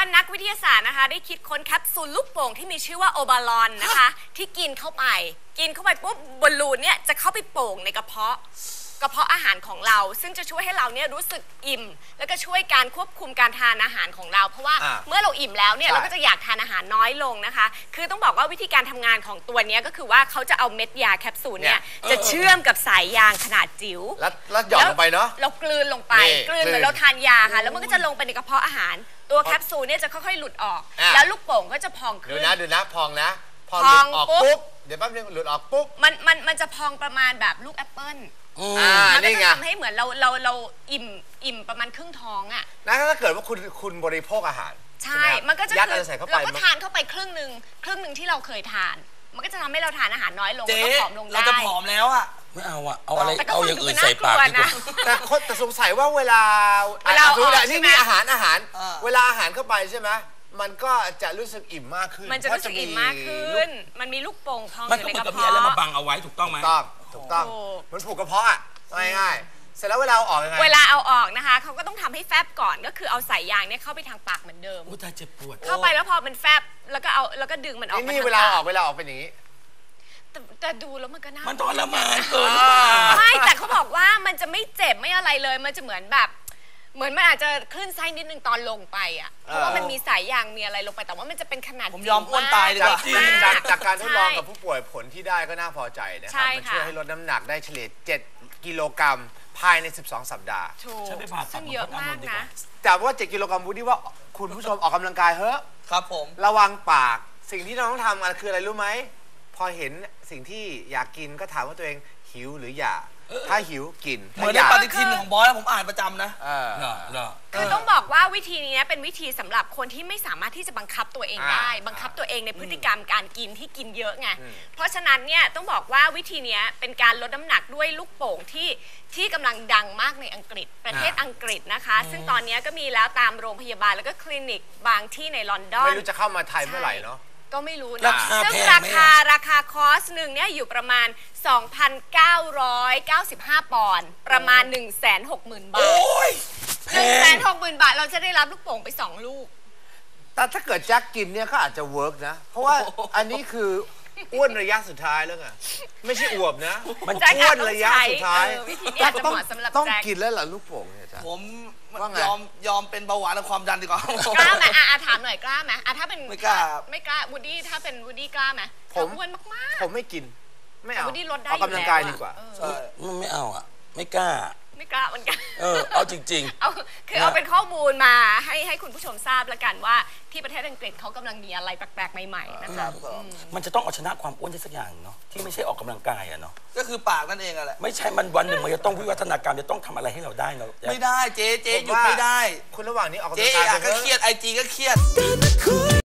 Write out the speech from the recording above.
นักวิทยาศาสตร์นะคะได้คิดค้นแคปซูลลูกโป่งที่มีชื่อว่าโอบาลอนนะคะที่กินเข้าไปปุ๊บบอลลูนเนี่ยจะเข้าไปโป่งในกระเพาะอาหารของเราซึ่งจะช่วยให้เราเนี่ยรู้สึกอิ่มแล้วก็ช่วยการควบคุมการทานอาหารของเราเพราะว่าเมื่อเราอิ่มแล้วเนี่ยเราก็จะอยากทานอาหารน้อยลงนะคะคือต้องบอกว่าวิธีการทำงานของตัวนี้ก็คือว่าเขาจะเอาเม็ดยาแคปซูลเนี่ยจะเชื่อมกับสายยางขนาดจิ๋วแล้วหย่อนลงไปเนาะเรากลืนลงไปกลืนเหมือนเราทานยาค่ะแล้วมันก็จะลงไปในกระเพาะอาหารตัวแคปซูลเนี่ยจะค่อยๆหลุดออกแล้วลูกโป่งก็จะพองขึ้นดูนะพองนะพอหลุดออกปุ๊บเดี๋ยวแป๊บนึงหลุดออกปุ๊บมันจะพองประมาณแบบลูกแอปเปิ้ลมันก็จะทำให้เหมือนเราอิ่มประมาณครึ่งท้องอ่ะนะถ้าเกิดว่าคุณบริโภคอาหารใช่มันก็จะยัดอะไรใส่เข้าไปเราก็ทานเข้าไปครึ่งหนึ่งที่เราเคยทานมันก็จะทำให้เราทานอาหารน้อยลงแล้วก็ผอมลงได้เราจะผอมแล้วอ่ะไม่เอาอะเอาอะไรเอาอย่างอื่นใส่ปากดีกว่าแต่สงสัยว่าเวลานี่มีอาหารเวลาอาหารเข้าไปใช่ไหมมันก็จะรู้สึกอิ่มมากขึ้นมันจะรู้สึกอิ่มมากขึ้นมันมีลูกโป่งพองอยู่ในกระเพาะมันก็เหมือนกับมีอะไรมาบังเอาไว้ถูกต้องไหมถูกต้องมันผูกกระเพาะอ่ะง่ายๆเสร็จแล้วเวลาเอาออกยังไงเวลาเอาออกนะคะเขาก็ต้องทำให้แฟบก่อนก็คือเอาสายยางเนี่ยเข้าไปทางปากเหมือนเดิมตาเจ็บปวดเข้าไปแล้วพอมันแฟบแล้วก็ดึงมันออกนี่เวลาออกเป็นอย่างนี้แต่ดูแล้วมันก็น่ามันทรมานเกินไม่แต่เขาบอกว่ามันจะไม่เจ็บไม่อะไรเลยมันจะเหมือนแบบมันอาจจะคลื่นไส้นิดนึงตอนลงไปอ่ะเพราะว่ามันมีสายยางมีอะไรลงไปแต่ว่ามันจะเป็นขนาดผมยอมอ้วนตายเลยจากการทดลองกับผู้ป่วยผลที่ได้ก็น่าพอใจนะครับมันช่วยให้ลดน้ำหนักได้เฉลี่ย7 กิโลกรัมภายใน12 สัปดาห์ฉันไปผ่าตัดเยอะมากนะแต่ว่า7 กิโลกรัมวูดดี้ว่าคุณผู้ชมออกกำลังกายเฮ้ยครับผมระวังปากสิ่งที่เราต้องทำคืออะไรรู้ไหมพอเห็นสิ่งที่อยากกินก็ถามว่าตัวเองหิวหรืออยากถ้าหิวกินเหมือนในปฏิทินของบอยผมอ่านประจำนะคือต้องบอกว่าวิธีนี้เป็นวิธีสำหรับคนที่ไม่สามารถที่จะบังคับตัวเองได้บังคับตัวเองในพฤติกรรมการกินที่กินเยอะไงเพราะฉะนั้นเนี่ยต้องบอกว่าวิธีนี้เป็นการลดน้ำหนักด้วยลูกโป่งที่กำลังดังมากในอังกฤษประเทศอังกฤษนะคะซึ่งตอนนี้ก็มีแล้วตามโรงพยาบาลแล้วก็คลินิกบางที่ในลอนดอนไม่รู้จะเข้ามาไทยเมื่อไหร่เนาะก็ไม่รู้นะซึ่งราคาคอร์สหนึ่งเนี่ยอยู่ประมาณ 2,995 ปอนด์ประมาณ 160,000 บาท160,000 บาทเราจะได้รับลูกโป่งไป2 ลูกแต่ถ้าเกิดแจ็คกินเนี่ยก็อาจจะเวิร์กนะเพราะว่าอันนี้คืออ้วนระยะสุดท้ายแล้วไงไม่ใช่อวบนะมันอ้วนระยะสุดท้ายวิธีนี้อาจจะเหมาะสำหรับต้องกินแล้วเหรอลูกโป่งเนี่ยจ้ะผมยอมเป็นเบาหวานและความดันดีกว่ากล้าไหมถามหน่อยกล้าไหมถ้าเป็นไม่กล้าวูดดี้ถ้าเป็นวูดดี้กล้าไหมผมอ้วนมากๆผมไม่กินไม่เอาวูดดี้ลดได้ออกกำลังกายดีกว่าไม่เอาอ่ะไม่กล้าเหมือนกันเอาจริงๆเอาเป็นข้อมูลมาให้คุณผู้ชมทราบแล้วกันว่าที่ประเทศอังกฤษเขากำลังมีอะไรแปลกๆใหม่ๆนะคะมันจะต้องเอาชนะความอ้วนได้สักอย่างเนาะที่ไม่ใช่ออกกำลังกายอะเนาะก็คือปากนั่นเองอะแหละไม่ใช่มันวันหนึ่งมันจะต้องวิวัฒนาการจะต้องทำอะไรให้เราได้เนาะไม่ได้เจ๊หยุดไม่ได้คุณระหว่างนี้ออกกำลังกายก็เครียดIGก็เครียด